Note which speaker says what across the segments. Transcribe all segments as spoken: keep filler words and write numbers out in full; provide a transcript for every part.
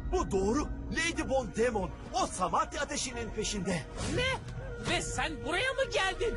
Speaker 1: Bu doğru. Lady Von Demon o Samatya ateşinin peşinde.
Speaker 2: Ne? Ve sen buraya mı geldin?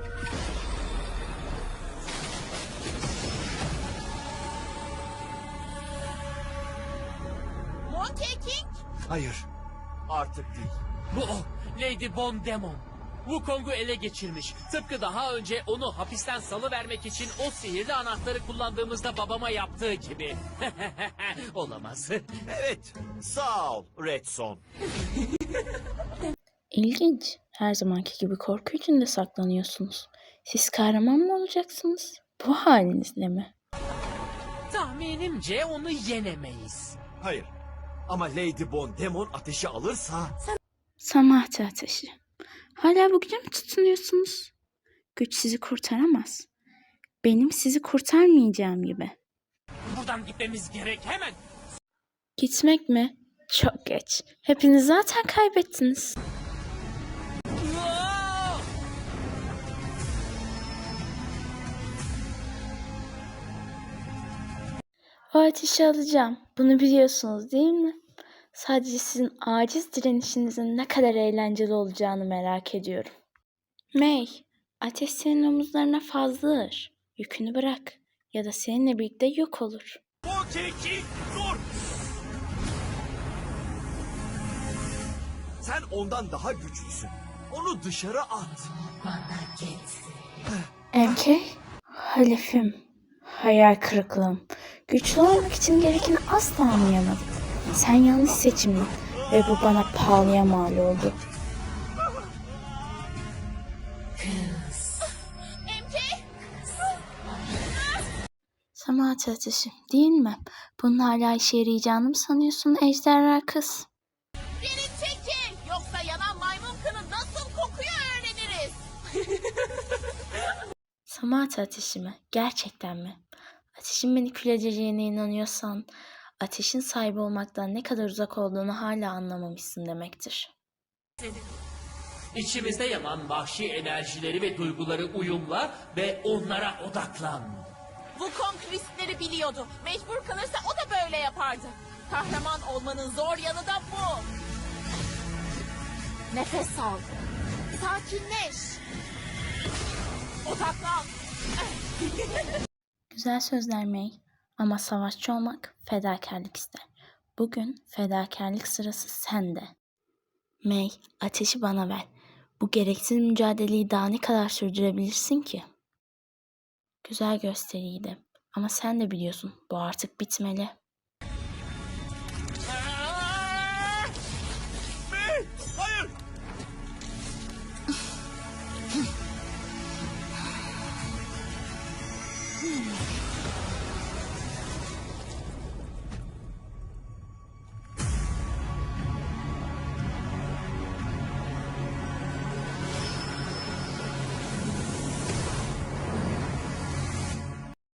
Speaker 3: Monkey King?
Speaker 1: Hayır. Artık değil.
Speaker 2: Bu o. Lady Von Demon. Wukong'u ele geçirmiş. Tıpkı daha önce onu hapisten salıvermek için o sihirli anahtarı kullandığımızda babama yaptığı gibi. Olamaz.
Speaker 1: Evet. Sağ ol Red Son.
Speaker 4: İlginç. Her zamanki gibi korku içinde saklanıyorsunuz. Siz kahraman mı olacaksınız? Bu halinizle mi?
Speaker 2: Tahminimce onu yenemeyiz.
Speaker 1: Hayır. Ama Lady Von Demon ateşi alırsa...
Speaker 4: Samatya ateşi. Hala bu güce mi tutunuyorsunuz? Güç sizi kurtaramaz. Benim sizi kurtarmayacağım gibi.
Speaker 2: Buradan gitmemiz gerek hemen.
Speaker 4: Gitmek mi? Çok geç. Hepiniz zaten kaybettiniz.
Speaker 2: Aa!
Speaker 4: O ateşi alacağım. Bunu biliyorsunuz değil mi? Sadece sizin aciz direnişinizin ne kadar eğlenceli olacağını merak ediyorum. May, ateş senin omuzlarına fazla ağır. Yükünü bırak ya da seninle birlikte yok olur.
Speaker 1: Monkey King dur! Sen ondan daha güçlüsün. Onu dışarı at.
Speaker 4: M K, halifim, hayal kırıklığım. Güçlü olmak için gerekeni asla anlayamadım. Sen yanlış seçimdin ve bu bana pahalıya mal oldu.
Speaker 3: M K?
Speaker 4: Samatya ateşi değil mi? Bunun hala işe yarayacağını mı sanıyorsun ejderha kız?
Speaker 3: Beni çekin! Yoksa yanan maymun kını nasıl kokuyor öğreniriz.
Speaker 4: Samatya ateşi mi? Gerçekten mi? Ateşin beni kül edeceğine inanıyorsan, ateşin sahibi olmaktan ne kadar uzak olduğunu hala anlamamışsın demektir.
Speaker 2: İçimizde yanan vahşi enerjileri ve duyguları uyumla ve onlara odaklan.
Speaker 3: Wukong riskleri biliyordu. Mecbur kalırsa o da böyle yapardı. Kahraman olmanın zor yanı da bu. Nefes al. Sakinleş. Odaklan.
Speaker 4: Güzel sözler May ama savaşçı olmak fedakarlık ister. Bugün fedakarlık sırası sende. May, ateşi bana ver. Bu gereksiz mücadeleyi daha ne kadar sürdürebilirsin ki? Güzel gösteriydi ama sen de biliyorsun bu artık bitmeli.